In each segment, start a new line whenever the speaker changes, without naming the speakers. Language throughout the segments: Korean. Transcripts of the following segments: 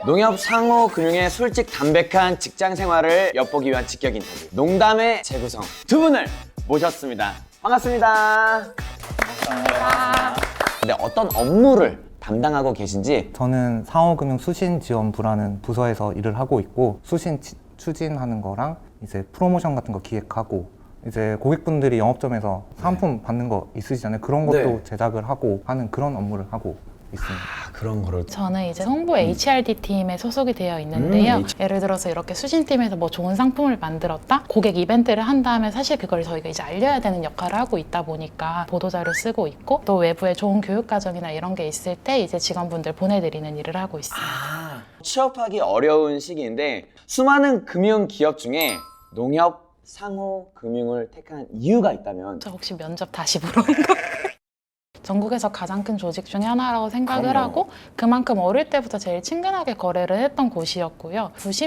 농협 상호금융의 솔직 담백한 직장 생활을 엿보기 위한 직격 인터뷰 농담의 재구성 두 분을 모셨습니다. 반갑습니다. 근데 어떤 업무를 담당하고 계신지?
저는 상호금융수신지원부라는 부서에서 일을 하고 있고 수신 추진하는 거랑 이제 프로모션 같은 거 기획하고 이제 고객분들이 영업점에서 사은품 받는 거 있으시잖아요. 그런 것도
네.
제작을 하고 하는 그런 업무를 하고 있습니다.
그런 거를
저는 이제 홍보 HRD 팀에 소속이 되어 있는데요. 예를 들어서 이렇게 수신팀에서 뭐 좋은 상품을 만들었다? 고객 이벤트를 한 다음에 사실 그걸 저희가 이제 알려야 되는 역할을 하고 있다 보니까 보도자료 쓰고 있고 또 외부에 좋은 교육 과정이나 이런 게 있을 때 이제 직원분들 보내드리는 일을 하고 있습니다.
취업하기 어려운 시기인데 수많은 금융 기업 중에 농협 상호금융을 택한 이유가 있다면?
저 혹시 면접 다시 물어본 거? 전국에서 가장 큰 조직 중에 하나라고 생각을
그럼요.
하고 그만큼 어릴 때부터 제일 친근하게 거래를 했던 곳이었고요.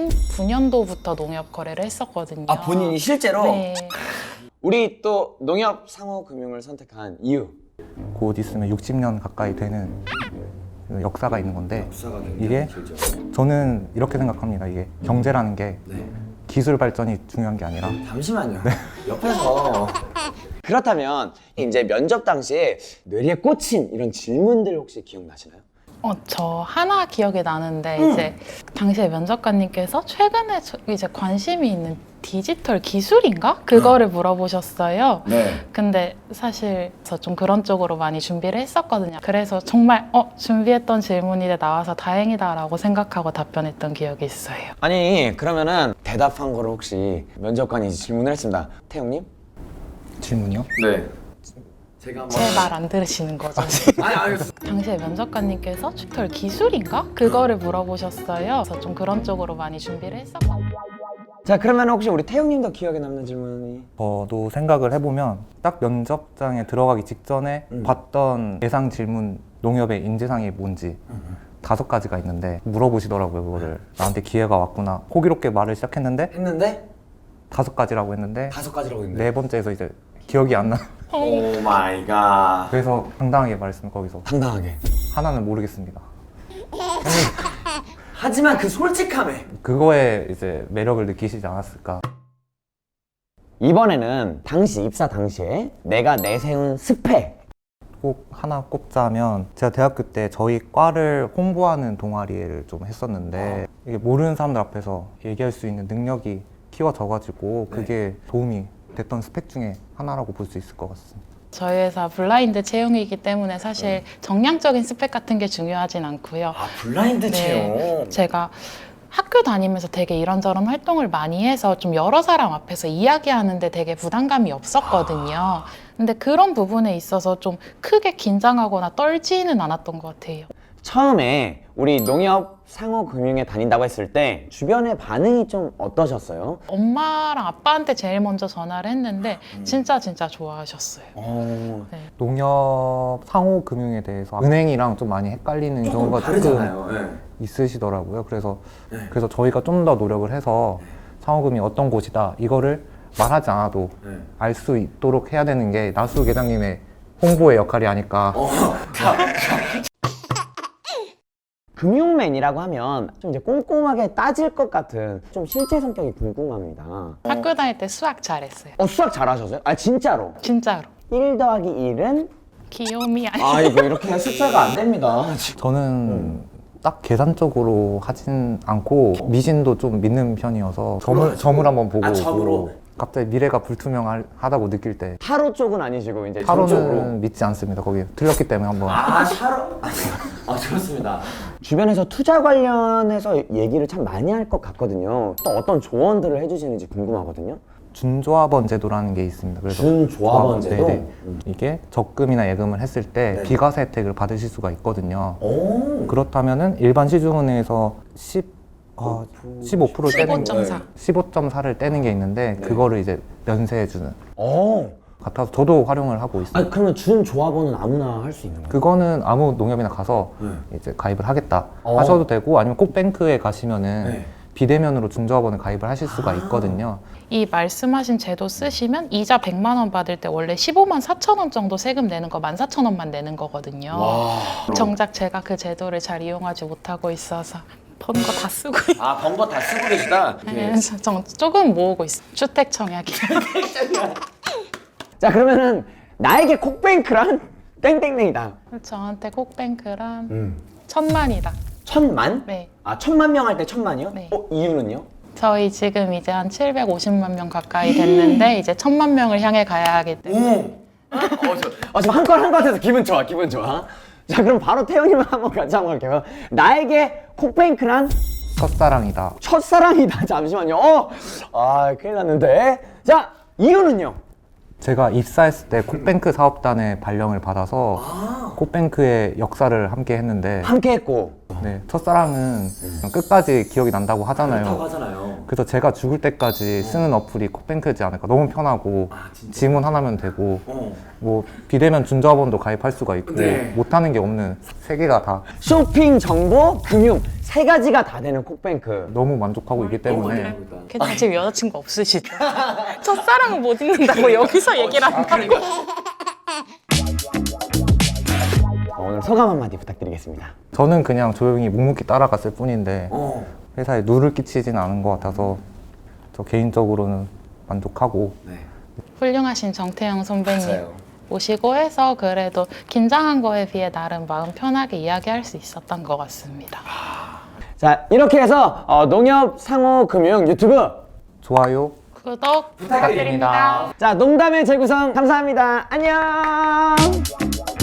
99년도부터 농협 거래를 했었거든요.
아, 본인이 실제로?
네.
우리 또 농협 상호금융을 선택한 이유?
곧 있으면 60년 가까이 되는 그 역사가 있는 건데 이게 저는 이렇게 생각합니다. 이게 경제라는 게 기술 발전이 중요한 게 아니라
잠시만요. 옆에서 그렇다면 이제 면접 당시에 뇌리에 꽂힌 이런 질문들 혹시 기억나시나요?
저 하나 기억이 나는데 이제 당시에 면접관님께서 최근에 이제 관심이 있는 디지털 기술인가? 그거를 물어보셨어요.
네.
근데 사실 저 좀 그런 쪽으로 많이 준비를 했었거든요. 그래서 정말 준비했던 질문이 나와서 다행이다라고 생각하고 답변했던 기억이 있어요.
아니 그러면은 대답한 거를 혹시 면접관이 질문을 했습니다. 태용님?
질문이요?
네. 제가 한번
제 말 안 들으시는 거죠?
아니 알겠습니다.
당시에 면접관님께서 디지털 기술인가? 그거를 물어보셨어요. 그래서 좀 그런 쪽으로 많이 준비를 했었거든요.
자 그러면 혹시 우리 태용님도 기억에 남는 질문이?
저도 생각을 해보면 딱 면접장에 들어가기 직전에 봤던 예상 질문 농협의 인재상이 뭔지 5가지가 있는데 물어보시더라고요. 그거를 나한테 기회가 왔구나 호기롭게 말을 시작했는데
했는데
5가지라고 했는데
5가지라고 했는데
4번째에서 이제 기억이 안 나.
오 마이 갓.
그래서 당당하게 말했으면 거기서
당당하게.
하나는 모르겠습니다.
하지만 그 솔직함에
그거에 이제 매력을 느끼시지 않았을까.
이번에는 당시 입사 당시에 내가 내세운 스펙.
꼭 하나 꼽자면 제가 대학교 때 저희 과를 홍보하는 동아리를 좀 했었는데 이게 모르는 사람들 앞에서 얘기할 수 있는 능력이 키워져가지고 그게 도움이 됐던 스펙 중에 하나라고 볼 수 있을 것 같습니다.
저희 회사 블라인드 채용이기 때문에 사실 정량적인 스펙 같은 게 중요하진 않고요.
아 블라인드 채용.
제가 학교 다니면서 되게 이런저런 활동을 많이 해서 좀 여러 사람 앞에서 이야기하는데 되게 부담감이 없었거든요. 근데 그런 부분에 있어서 좀 크게 긴장하거나 떨지는 않았던 것 같아요.
처음에 우리 농협 상호금융에 다닌다고 했을 때 주변의 반응이 좀 어떠셨어요?
엄마랑 아빠한테 제일 먼저 전화를 했는데 진짜 좋아하셨어요.
농협 상호금융에 대해서 은행이랑 좀 많이 헷갈리는 경우가 조금 있으시더라고요. 그래서 저희가 좀 더 노력을 해서 상호금융이 어떤 곳이다 이거를 말하지 않아도 알 수 있도록 해야 되는 게 나수 계장님의 홍보의 역할이 아닐까.
금융맨이라고 하면 좀 이제 꼼꼼하게 따질 것 같은 좀 실제 성격이 궁금합니다.
학교 다닐 때 수학 잘했어요.
수학 잘하셨어요? 아 진짜로?
진짜로.
1 더하기 1은?
귀요미 아니.
아 이거 이렇게 숫자가 안 됩니다.
저는 딱 계산적으로 하진 않고 미신도 좀 믿는 편이어서 점을 한번 보고
점으로?
오고 갑자기 미래가 불투명하다고 느낄 때
타로 쪽은 아니시고 이제
타로는
전적으로.
믿지 않습니다. 거기 틀렸기 때문에 한번
타로? 좋습니다. 주변에서 투자 관련해서 얘기를 참 많이 할 것 같거든요. 또 어떤 조언들을 해주시는지 궁금하거든요.
준조합원 제도라는 게 있습니다. 그래서
준조합원 제도?
네네. 이게 적금이나 예금을 했을 때 비과세 혜택을 받으실 수가 있거든요. 그렇다면은 일반 시중은행에서 15%를 떼는
15.4.
15.4를 떼는 게 있는데 그거를 이제 면세해주는
오.
같아서 저도 활용을 하고 있습니다.
아니 그러면 준조합원은 아무나 할 수 있는 거예요?
그거는 아무 농협이나 가서 이제 가입을 하겠다 하셔도 되고 아니면 꼭 뱅크에 가시면은 비대면으로 준조합원을 가입을 하실 수가 있거든요.
이 말씀하신 제도 쓰시면 이자 100만 원 받을 때 원래 15만 4천 원 정도 세금 내는 거 14,000원만 내는 거거든요. 정작 제가 그 제도를 잘 이용하지 못하고 있어서 번 거 다 쓰고 있어요.
아, 번 거 다 쓰고 계시다?
네, 조금 모으고 있어요. 주택 청약이.
자, 그러면은 나에게 콕뱅크란 땡땡땡이다.
저한테 콕뱅크란 1000만이다.
1000만?
네.
아, 1000만 명 할 때 1000만이요?
네.
이유는요?
저희 지금 이제 한 750만 명 가까이 됐는데 이제 1000만 명을 향해 가야 하기 때문에
지금 한 건 한 것 같아서 기분 좋아, 기분 좋아. 자, 그럼 바로 태영님 한번 같이 한번 할게요. 나에게 콕뱅크란
첫사랑이다.
첫사랑이다. 잠시만요. 큰일 났는데. 자, 이유는요?
제가 입사했을 때 콕뱅크 사업단의 발령을 받아서 콕뱅크의 역사를 함께 했는데
함께 했고.
네, 첫사랑은 그냥 끝까지 기억이 난다고 하잖아요.
하잖아요.
그래서 제가 죽을 때까지 쓰는 어플이 콕뱅크지 않을까. 너무 편하고 지문 하나면 되고 뭐 비대면 준자원도 가입할 수가 있고
네.
못하는 게 없는 세 개가 다
쇼핑, 정보, 금융 세 가지가 다 되는 콕뱅크.
너무 만족하고 있기 때문에
괜찮아 지금 여자친구 없으시죠? 첫사랑은 못 잊는다고 여기서 얘기를 한다고.
오늘 소감 한마디 부탁드리겠습니다.
저는 그냥 조용히 묵묵히 따라갔을 뿐인데 회사에 누를 끼치진 않은 것 같아서 저 개인적으로는 만족하고
훌륭하신 정태영 선배님 모시고 해서 그래도 긴장한 거에 비해 나름 마음 편하게 이야기할 수 있었던 것 같습니다.
자, 이렇게 해서 농협 상호금융 유튜브
좋아요.
구독 부탁드립니다.
자, 농담의 재구성 감사합니다. 안녕.